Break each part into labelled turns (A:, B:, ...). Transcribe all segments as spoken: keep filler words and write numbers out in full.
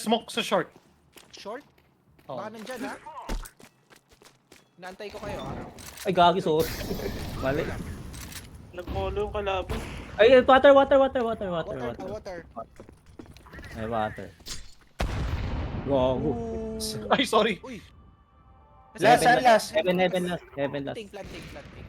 A: nag-smoke sa short.
B: Short?
A: Oh.
B: Baka nandyan ha? Naantay ko kayo ha?
C: Ay, gagi, sorry. Mali.
D: Nag-molo yung kalaban.
C: Ay, water, water, water, water, water,
B: Water,
C: water.
B: water.
C: Ay, water. Gago.
A: Ay, sorry.
B: Uy!
E: Last,
C: Heaven,
E: ah, last.
C: Heaven, heaven last. Heaven last.
B: Planting, planting, planting.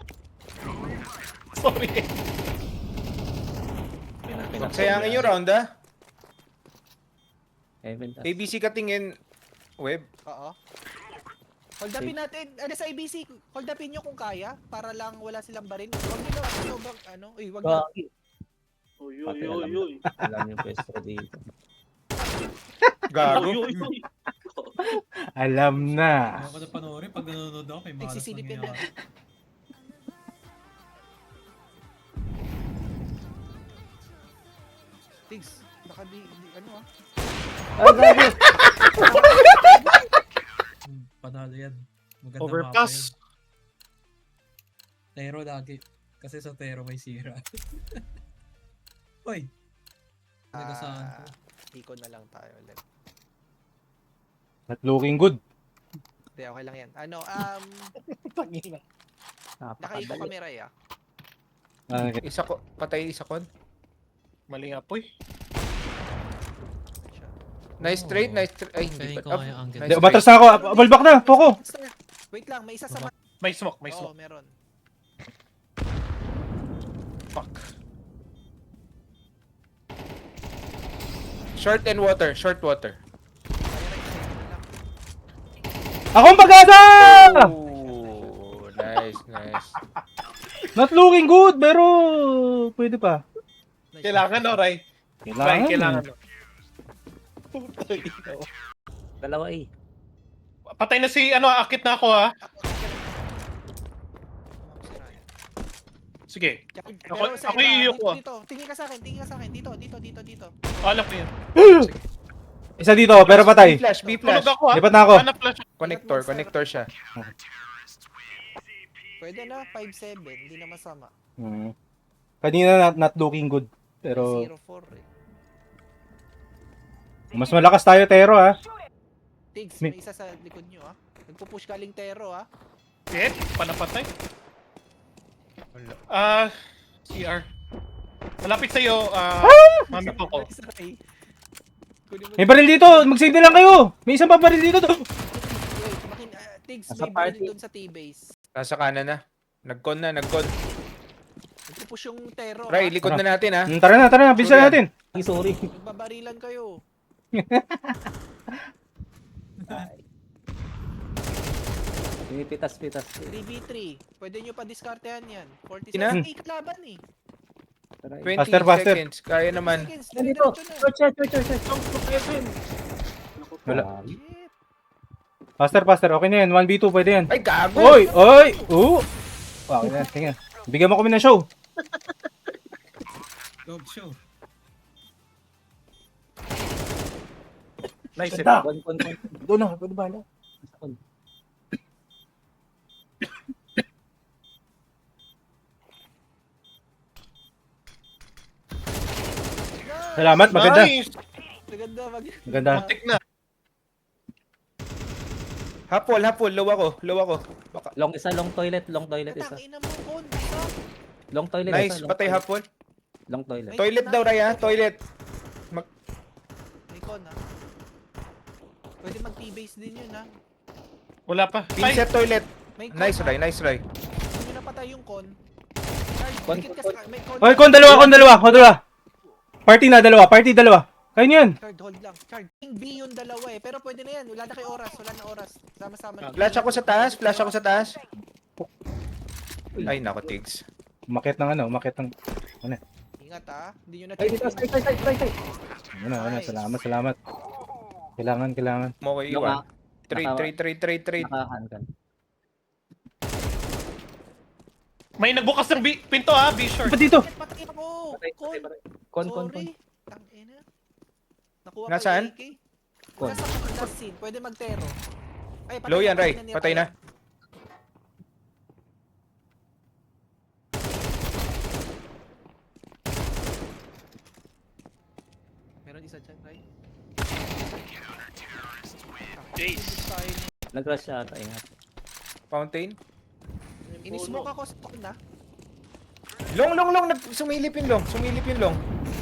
A: Sorry.
E: Sayangin yung round ah.
C: Heaven last.
E: A B C ka tingin. Web.
B: Oo. Hold upin natin. Ano sa A B C? Hold upin nyo kung kaya. Para lang wala silang barin. Huwag nyo lang sobrang ano. Uy, wag na.
C: Gagi.
D: Uy, uy,
C: Pati
D: uy,
C: alam.
D: uy.
C: Alam yung pwesto dito.
E: Gago.
D: Uy, uy, uy.
F: Alam na.
G: Ako na panoorin pag nanonood ako kay Malas
B: Nagsisilip yan
G: nangyayari.
B: Tigs. Baka di, di ano ah.
C: Ay, gagi.
G: Hmm, Panalo yan. Maganda
A: Overpass.
G: mapa yun. Tero lagi. Kasi sa Tero may sira. Uy! Nagasaan ko.
B: Ah, Iko na lang tayo ulit.
F: Not looking good.
B: Hindi, okay lang yan. Ano, um,
A: Tangina.
B: nakaiko
C: Napakadali.
B: kami Ray ah.
F: Ah,
E: Isa ko, patay isa kon.
A: Mali nga po eh.
B: Siya.
E: Nice
G: Oh.
E: trade, nice trade. Ay, hindi
G: Feeling ko
E: pa.
G: kaya ang
E: nice
G: ganda.
F: Di,
E: trade.
F: umatras na ako. Balbak na. Poko.
B: Wait lang, may isa sa
G: Baba.
B: ma-
A: May smoke, may
B: Oo,
A: smoke.
B: meron.
A: Fuck.
E: Short and water, short water.
B: Kaya Ray, kasi ano lang.
F: Akong pag-asa!
E: Ooh, nice, nice.
F: Not looking good, pero pwede pa.
B: Nice.
A: Kailangan no, Ray. Ray,
F: Kailangan.
A: kailangan
F: eh.
A: no. Putay ina.
C: Dalawa eh.
A: Patay na si, ano, akit na ako ha. Sige.
B: Pero
A: Ako-
B: sa
A: ako
B: iba,
A: iiyak
B: dito,
A: ko, ah.
B: dito, tingin ka sa akin, tingin ka sa akin, dito, dito, dito, dito.
A: Alam ko yun.
F: Isa dito, pero
E: B
F: patay.
E: flash, B
A: Tulog
E: flash.
A: ako ha.
F: Lipat na ako.
A: Hanap flash.
E: Connector, connector siya.
B: Pwede na, five seven, hindi na masama.
F: Hmm. Kanina not, not looking good. Pero
B: zero four eh.
F: mas malakas tayo, Tero, ha.
B: Tigs,
F: May-
B: may isa sa likod nyo ah. Nagpupush galing Tero ah.
A: Eh, panapatay. Ah, C R. Malapit sa'yo, ah, mami po ko.
B: Isa Ray. Kunin mo
F: May baril dito. Mag-signal lang kayo. May isang pa baril dito.
B: Wait, makin, ah, Tigs,
C: Nasa
B: may baril
C: party.
B: doon sa T-base.
E: Nasa kanan na. Nag-con na, nag-con.
B: Nagpupush yung Tero
E: Ray,
B: ah.
E: likod na natin ha.
F: Hmm, tara na, tara na. Bilisan natin.
C: Ay, sorry.
B: Nagbabarilan kayo.
C: Pinipitas-pitas.
B: three v three. Pwede nyo pa diskartehan yan.
E: Ina?
B: forty-seven. Ay, kalaban eh.
C: Tara, eh.
E: twenty
F: Faster, faster.
E: seconds. Kaya naman.
B: Seconds,
C: Nandito.
B: diretso na.
C: Short, short, short, short, short.
F: Wala.
C: Gagi.
B: Shit.
F: Faster, faster. Okay na yan. one v two, pwede yan.
E: Ay, gago!
F: Oy! Oy! Oo! Okay na. Tingnan. Bigyan mo kami ng show.
G: Dog show.
A: Nice. eh.
F: Ganda.
C: Kon, kon, kon.
F: Doon na. Pwede ba?
C: Kon.
F: Salamat. Maganda.
A: Nice.
B: Maganda, mag...
F: Maganda.
A: Tik na.
E: Hapol, hapol. Low ako, low ako. Baka.
C: Long isa, long toilet, long toilet isa.
B: Katang ina mo, Kon. Isa.
C: Long toilet
E: Nice,
C: isa. long
E: patay
C: toilet.
E: hapol.
C: Long toilet.
B: May-
E: Toilet daw, Ray ha. Toilet.
B: May Kon ah. Pwede mag-T-base din yun ah.
A: Wala pa. Ay,
E: Pinset toilet.
B: May Kon
E: Nice,
B: ah.
E: Ray. Nice, Ray.
B: Hindi nyo napatay yung Kon. Charge,
C: Kon,
B: dikit ka
C: Kon,
B: sa... May Kon.
F: Oy, kon dalawa, kon dalawa, kon dalawa. Party na, dalawa. Party, dalawa. Kayo niyo yan.
B: Charge, hold lang. Charge. Yung B yung dalawa eh. Pero pwede na yan. Wala na kay oras. Wala na oras. Sama-sama na.
E: Flash ako sa taas, flash ako sa taas. Ay, nako, Tigs.
F: Umakit ng ano, umakit ng...
B: Ingat ah. Hindi nyo na
C: Ay, dito, side, side, side, side, side.
F: Ano, ano, salamat, salamat. Kailangan, kailangan.
E: Mo ko
C: Long
E: iwan.
C: ah.
E: Trade,
C: Naka-
E: trade, trade, trade, trade.
C: Nakahankan.
A: may nagbukas ng B- pinto ha, B short.
F: Ba't dito?
B: Bakit patay ako?
C: Patay,
B: Kon.
C: patay, patay. Kon, kon, kon.
B: Sorry. Tangina. Nakuha ko
E: Nasaan?
B: yung A K.
C: Kon.
B: Nasa last scene. Pwede mag-tero. Ay, patay
E: Low
B: na,
E: yan, Ray.
B: ni
E: Patay na.
B: Meron isa dyan, Ray.
D: Jace.
B: Tayo ni-
C: Nag-rush siya ata, ingat.
E: Fountain.
B: Inismoke ako stock na.
E: Long, long, long. Nag sumilip yung long. Sumilip yung long.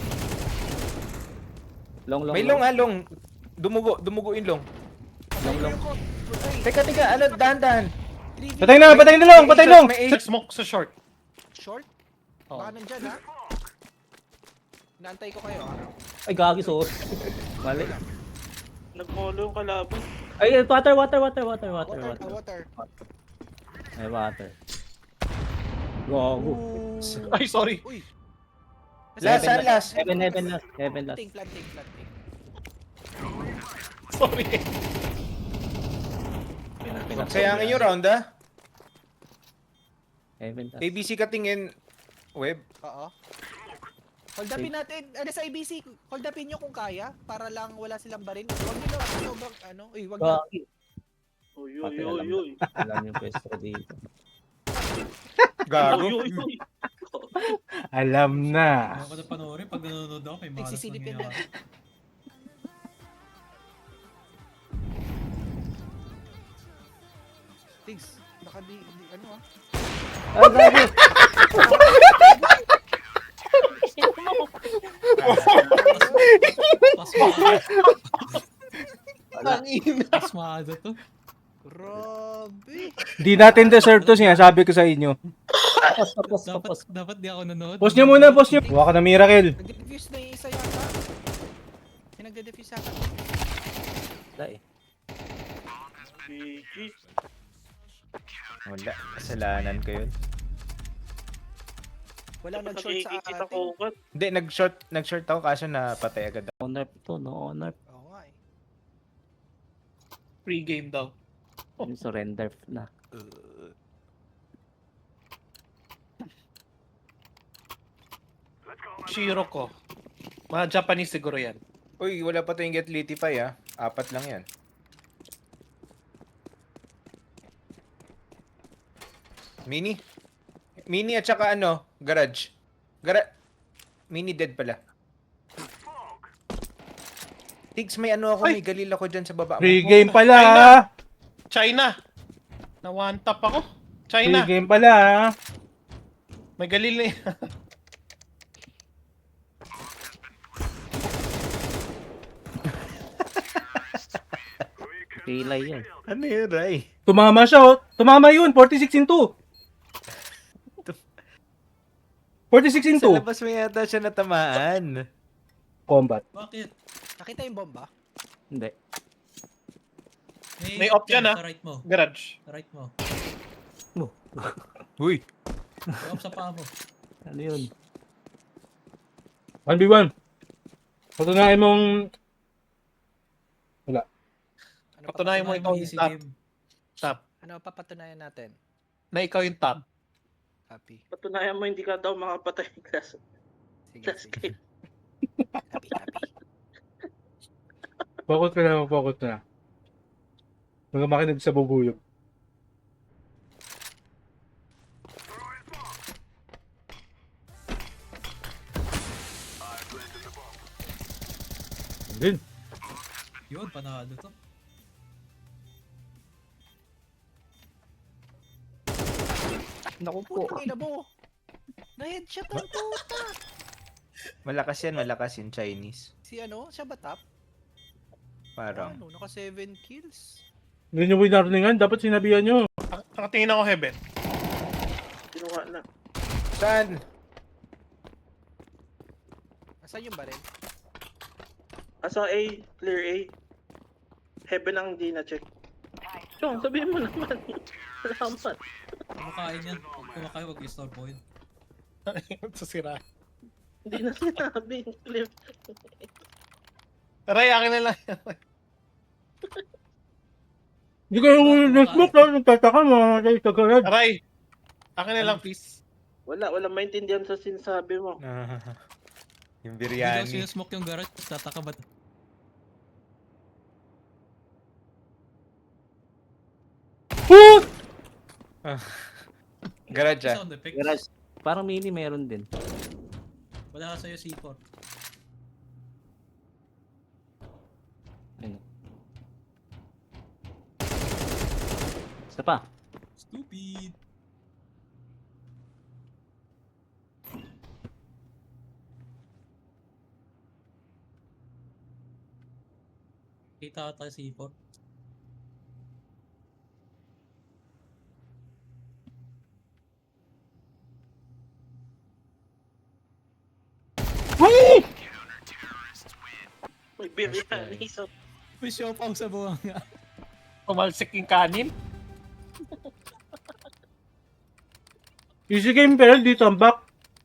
C: Long, long,
E: May long ha, long. Dumugo, dumugo yung long.
C: Long, long.
E: Teka, teka. Ano, dahan-dahan.
F: Patay na, patay na long, patay long!
E: May
A: Sa
E: eight.
A: smoke sa short.
B: Short?
A: Oh.
B: Baka nandyan ha? Naantay ko kayo ha?
C: Ay, gagi, sorry. Mali.
D: Nagmolo yung kalaban.
C: Ay, water, water, water, water, water,
B: Water,
C: water.
B: water.
C: Ay, water. Gago.
A: Ay, sorry.
B: Uy!
E: Last, saan last?
C: Heaven, heaven last. Heaven last.
B: Planting, planting, planting.
A: Sorry.
E: Sayangin yung round ha.
C: Heaven last.
E: A B C ka tingin. Web.
B: Oo. Hold upin natin. Ano sa I B C? Hold upin nyo kung kaya. Para lang wala silang barin. Huwag nyo lang. Sobrang ano. Uy, wag na.
C: Gagi.
D: Uy, uy,
C: Pati
D: uy,
C: alam,
D: uy.
C: alam yung pwesto dito.
E: Gago.
D: Uy, uy, uy.
F: Alam na.
G: Ayaw ko na panoorin. Pag nanonood ako, may malas
B: Nagsisilip
G: na
B: yun
G: ginawa.
B: Tigs. Baka di, di ano ah.
C: Ah, gagi.
G: Pasmado. Pasmado to.
B: Grabe.
F: Di natin deserve to, sinasabi ko sa inyo.
C: Tapos, tapos,
G: Dapat,
C: tapos.
G: dapat di ako nanonood.
F: Post nyo muna, post nyo. Huwag ka na miracle.
B: Nagde-defuse na yung isa yata. May nagde-defuse yata.
C: Wala eh.
D: G G.
E: Wala. Kasalanan ko yun.
B: Wala
D: Dapat
B: nag-short sa
D: nakikita
B: atin.
D: ko ugat.
E: Hindi, nag-short, nag-short ako kaso napatay agad.
C: Honor to, no honor.
B: Oo nga eh.
A: Free game daw.
C: Yung surrender na.
A: Shiro ko. Mga Japanese siguro yan.
E: Uy, wala pa tayong get litify ha. Apat lang yan. Mini? Mini at saka ano, garage. Gara Mini dead pala. Tigs, may ano ako,
A: Ay!
E: may galil ako dyan sa baba mo.
F: Free game pala.
A: Ay, na.
F: ah.
A: China. Na one tap ako.
F: Free
A: China.
F: game pala. ah.
A: May galil na yan.
C: Pilay yan.
E: Ano yun, Ray?
F: Tumama siya, oh. Tumama yun. forty-six in two. forty-six in
E: Sa
F: two.
E: labas mo yata siya natamaan.
F: Combat.
G: Bakit?
B: Nakita yung bomba?
C: Hindi.
A: May op yan, ah.
G: Sa right mo.
A: Garage.
G: Sa right mo.
E: Uy.
G: May op sa paa mo.
C: Ano yun?
F: one v one. Patunayan mong...
B: Ano
A: Patunayan mo
B: papatunayan
A: ikaw
G: Ay,
A: yung
G: easy
A: top.
G: game.
A: Top.
B: Ano papatunayan natin?
A: Na ikaw yung top.
B: Happy.
D: Patunayan mo hindi ka daw makapatay ng class.
B: Sige,
D: Last
B: sige.
D: game.
B: Happy, happy.
F: Focus ka na, focus na. Huwag makinig sa bubuyog. Din.
G: Yun, panalo to.
C: Naku po.
B: Putang ina mo. Na-headshot ang puta.
E: Malakas yan, malakas yung Chinese.
B: Si ano? Siya ba top?
E: Parang.
B: Ano? Naka seven kills.
F: Hindi nyo winarningan, dapat sinabihan nyo.
A: Ang- Nakatingin ako heaven.
D: Kinuha na.
E: Saan?
B: Asan yung baril?
D: Asa A, clear A. Heaven ang hindi na-check. Chong, sabihin mo naman. Salamat.
G: Kumakain yan. Kung kumakain, wag i-store point.
A: Sa sira.
D: Hindi na sinabi. Clear.
A: Ray, akin na lang.
F: Hindi kayo nag-smoke lang, nagtataka mga kayo sa garage.
A: Ray, akin na lang please.
D: Wala, wala maintindihan sa sinasabi mo.
E: Ah, yung
G: Hindi daw
E: biryani.
G: sinusmoke yung garage. Tataka ba't?
F: Woo!
E: Garage ah.
G: Sound effects.
C: Garage. Parang mini meron din.
G: Wala ka sa'yo C four.
C: Ayun. Isa pa.
G: Stupid. Kita ata si C four.
D: May biryani sa...
G: May show pa sa buwang nga.
A: Pumalsik yung kanin.
F: Easy game pero dito ang back.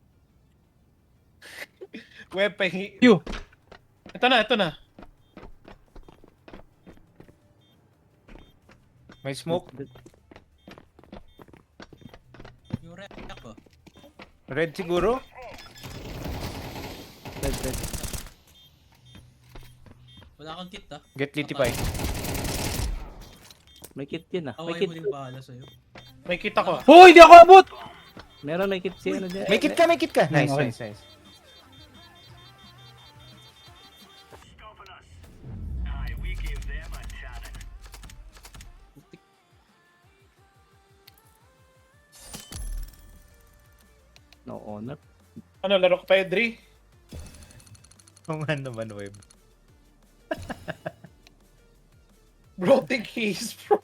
A: Web pahingi.
F: You.
A: Ito na, ito na.
E: May smoke.
G: Yung red ko.
E: Red siguro.
C: Red, red.
G: Wala kang kit ah.
E: Get litipay.
C: May kit yun ah. May
G: Away
C: kit.
G: mo din bahala sa'yo.
A: May kita ko.
F: Hoy, hindi ako abot!
C: Meron may kit si ano dyan.
E: May kit ka, may kit ka. Nice,
F: okay.
E: nice, nice.
C: No honor.
A: Ano, laro ko pa, Edri?
E: Kung ano man, web.
A: Bro, take his, bro.